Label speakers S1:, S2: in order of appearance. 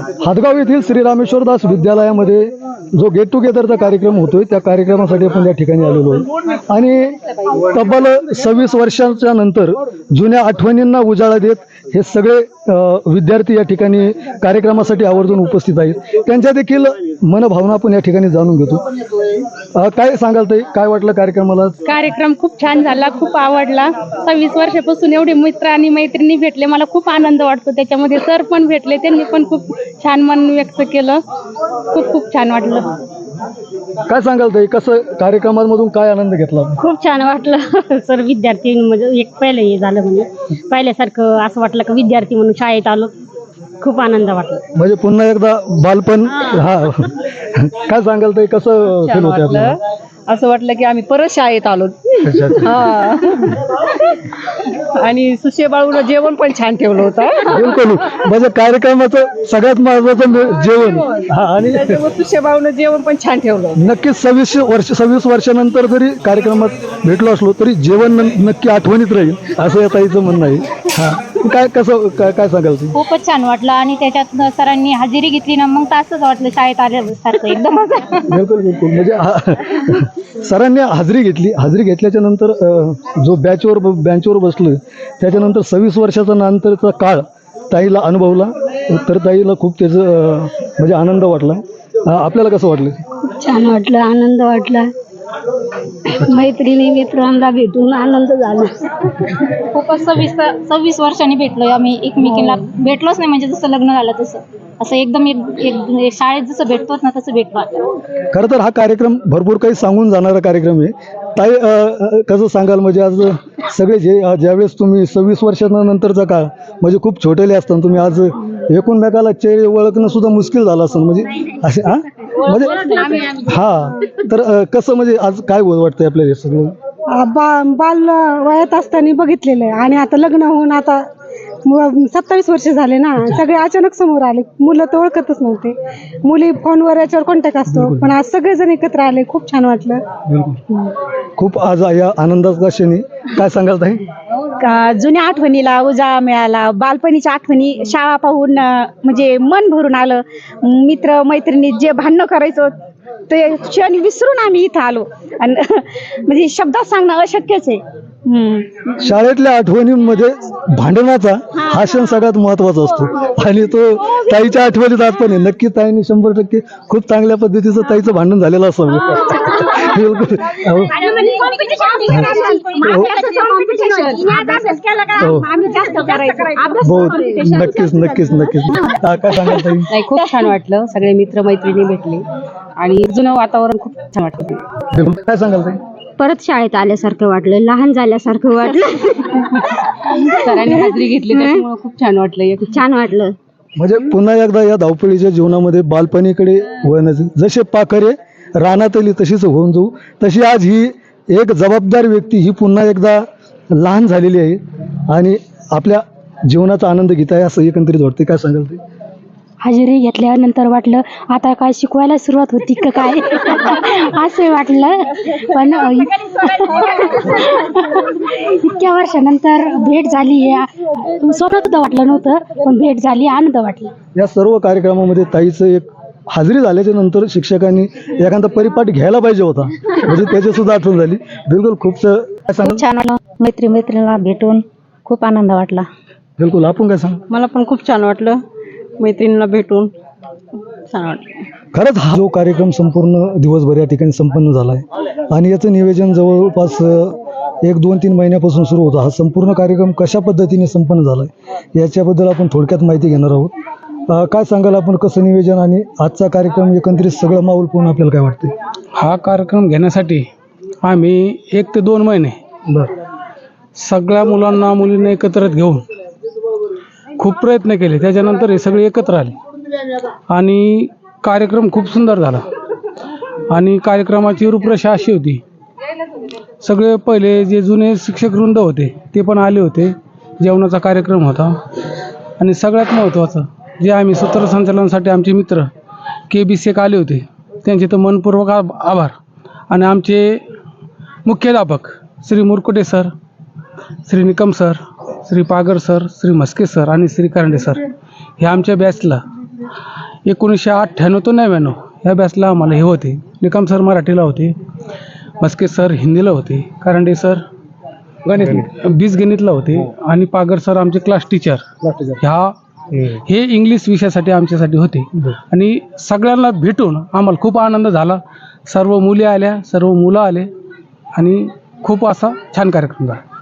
S1: हातगाव येथील श्री रामेश्वरदास विद्यालयामध्ये जो गेट टुगेदरचा कार्यक्रम होतोय त्या कार्यक्रमासाठी आपण या ठिकाणी आलेलो आहे आणि तब्बल 26 वर्षांच्या नंतर जुन्या आठवणींना उजाळा देत हे सगळे विद्यार्थी या ठिकाणी कार्यक्रमासाठी आवर्जून उपस्थित आहेत. त्यांच्या देखील मनभावना आपण या ठिकाणी जाणून घेतो. काय सांगाल ताई, काय वाटलं कार्यक्रमाला?
S2: कार्यक्रम खूप छान झाला, खूप आवडला. 26 वर्षापासून एवढे मित्र आणि मैत्रिणी भेटले, मला खूप आनंद वाटतो त्याच्यामध्ये. सर पण भेटले, त्यांनी पण खूप छान मन व्यक्त केलं. खूप छान वाटलं.
S1: काय सांगाल ताई, कसं कार्यक्रमांमधून काय आनंद घेतला?
S2: खूप छान वाटलं. सर विद्यार्थी म्हणजे एक पहिलं हे झालं, म्हणजे पहिल्यासारखं असं वाटलं की विद्यार्थी म्हणून शाळेत आलो. खूप आनंद वाटला.
S1: म्हणजे पुन्हा एकदा बालपण. हा काय सांगाल ताई, कसं फील होतं आपल्याला?
S2: असं वाटलं की आम्ही परत शाळेत आलो. हा आणि सुशे बाळूला जेवण पण छान ठेवलं होतं.
S1: बिलकुल, म्हणजे कार्यक्रमाचं सगळ्यात महत्वाचं जेवण. हा, आणि
S2: सुशे बाळूला जेवण पण छान ठेवलं.
S1: नक्कीच 26 वर्षानंतर जरी कार्यक्रमात भेटलो असलो तरी जेवण नक्की आठवणीत राहील असं या ताईचं म्हणणं आहे. हा, काय कसं काय सांगाल तुम्ही?
S2: खूपच छान वाटलं आणि त्याच्यात सरांनी हजेरी घेतली ना, मग तर असंच वाटलं शाळेत आल्यासारखं एकदम.
S1: बिलकुल, म्हणजे सरांनी हजेरी घेतल्याच्या नंतर जो बेंचवर बसलं त्याच्यानंतर 26 वर्षाचा नंतरचा काळ ताईला अनुभवला, तर ताईला खूप त्याचं म्हणजे आनंद वाटला. आपल्याला कसं वाटलं?
S2: छान वाटलं, आनंद वाटला. मैत्रिणी मित्रांना भेटून आनंद झाला. खूपच 26 वर्षांनी भेटलोय आम्ही एकमेकींना. भेटलोच नाही म्हणजे जसं लग्न झालं तसं, असं एकदम एक शाळेत जसं भेटतोच ना तसं भेटलो.
S1: खरं तर हा कार्यक्रम भरपूर काही सांगून जाणारा कार्यक्रम आहे. ताई, कसं सांगाल, म्हणजे आज सगळे ज्यावेळेस तुम्ही 26 वर्षानंतरचा काळ म्हणजे खूप छोटेले असताना तुम्ही आज एकूणमेकाला चेहरे ओळखणं सुद्धा मुश्किल झालं असं, म्हणजे असे म्हणजे हा, तर कसं म्हणजे आज काय वाटतंय आपल्याला हे सगळं?
S3: बाल वयात असताना बघितलेलं आहे आणि आता लग्न होऊन आता 27 वर्ष झाले ना, सगळे अचानक समोर आले. मुलं तर ओळखतच नव्हते, मुली फोनवर याच्यावर कॉन्टॅक्ट असतो, पण आज सगळेजण एकत्र आले. खूप छान वाटलं.
S1: खूप आज या आनंदाचा क्षणी काय सांगाल ताई?
S2: जुन्या आठवणीला उजाळा मिळाला. बालपणीच्या आठवणी शाळा पाहून म्हणजे मन भरून आलं. मित्र मैत्रिणी जे भांडणं करायचो ते क्षण विसरून आम्ही इथं आलो आणि म्हणजे शब्दात सांगणं अशक्यच आहे.
S1: शाळेतल्या आठवणींमध्ये भांडणाचा हा क्षण सगळ्यात महत्वाचा असतो आणि तो ताईच्या आठवणीत आज पण आहे. नक्की ताईने 100% खूप चांगल्या पद्धतीचं ताईचं भांडण झालेलं असावं. बिलकुल. नक्कीच. काय सांगाल ताई?
S2: खूप छान वाटलं. सगळे मित्र मैत्रिणी भेटले आणि जुनं वातावरण खूप छान वाटलं.
S1: काय सांगाल ताई?
S2: परत शाळेत आल्यासारखं वाटलं, लहान झाल्यासारखं वाटलं. सरांनी हजेरी घेतली त्याच्यामुळे खूप छान वाटलं.
S1: म्हणजे पुन्हा एकदा या धावपळीच्या जीवनामध्ये बालपणीकडे वळण्याचे जसे पाखरे रानात आली तशीच होऊन जाऊ, तशी आज ही एक जबाबदार व्यक्ती ही पुन्हा एकदा लहान झालेली आहे आणि आपल्या जीवनाचा आनंद घेत आहे असं एकंदरीत वाटते. काय सांगाल ते?
S2: हजेरी घेतल्यानंतर वाटलं आता काय शिकवायला सुरुवात होती का काय असं वाटलं. पण इतक्या वर्षानंतर भेट झाली, स्वप्नात सुद्धा वाटलं नव्हतं, पण भेट झाली, आनंद वाटला.
S1: या सर्व कार्यक्रमामध्ये ताईचं एक हजेरी झाल्याच्या नंतर शिक्षकांनी एखादा परिपाठ घ्यायला पाहिजे होता, म्हणजे त्याची सुद्धा आठवण झाली. बिलकुल, खूप
S2: छान वाटलं. मैत्रिणीला भेटून खूप आनंद वाटला.
S1: बिलकुल. आपण काय सांग?
S2: मला पण खूप छान वाटलं, मैत्रिणीला भेटून छान वाटलं.
S1: खरंच हा जो कार्यक्रम संपूर्ण दिवसभर या ठिकाणी संपन्न झाला आहे आणि याचं नियोजन जवळपास 1-2-3 महिन्यापासून सुरू होतं. हा संपूर्ण कार्यक्रम कशा पद्धतीने संपन्न झाला आहे याच्याबद्दल आपण थोडक्यात माहिती घेणार आहोत. काय सांगाल आपण, कसं नियोजन आणि आजचा कार्यक्रम एकंदरीत सगळं माहोल पाहून आपल्याला काय वाटतं?
S4: हा कार्यक्रम घेण्यासाठी आम्ही 1 ते 2 महिने सगळ्या मुलांना मुलींना एकत्र घेऊन खूप प्रयत्न केले. त्याच्यानंतर हे सगळे एकत्र आले आणि कार्यक्रम खूप सुंदर झाला. आणि कार्यक्रमाची रूपरेषा अशी होती, सगळे पहिले जे जुने शिक्षकवृंद होते ते पण आले होते. जेवणाचा कार्यक्रम होता आणि सगळ्यात महत्त्वाचं जे आम्ही सूत्रसंचालनासाठी आमचे मित्र KB शेख आले होते, त्यांचे तर मनपूर्वक आभार. आणि आमचे मुख्याध्यापक Shri Murkute sir, Shri Nikam sir, Shri Pagar sir, Shri Mhaske sir आणि श्री करंडे सर हे आमच्या बॅचला 1998 ते 99 या बॅचला आम्हाला हे होते. निकम सर मराठीला होते, मस्के सर हिंदीला होते, कारंडे सर बीजगणितला होते आणि पागर सर आमचे क्लास टीचर हे इंग्लिश विषयासाठी आमच्यासाठी होते. आणि सगळ्यांना भेटून आम्हाला खूप आनंद झाला. सर्व मुली आल्या, सर्व मुलं आले आणि खूप असा छान कार्यक्रम झाला.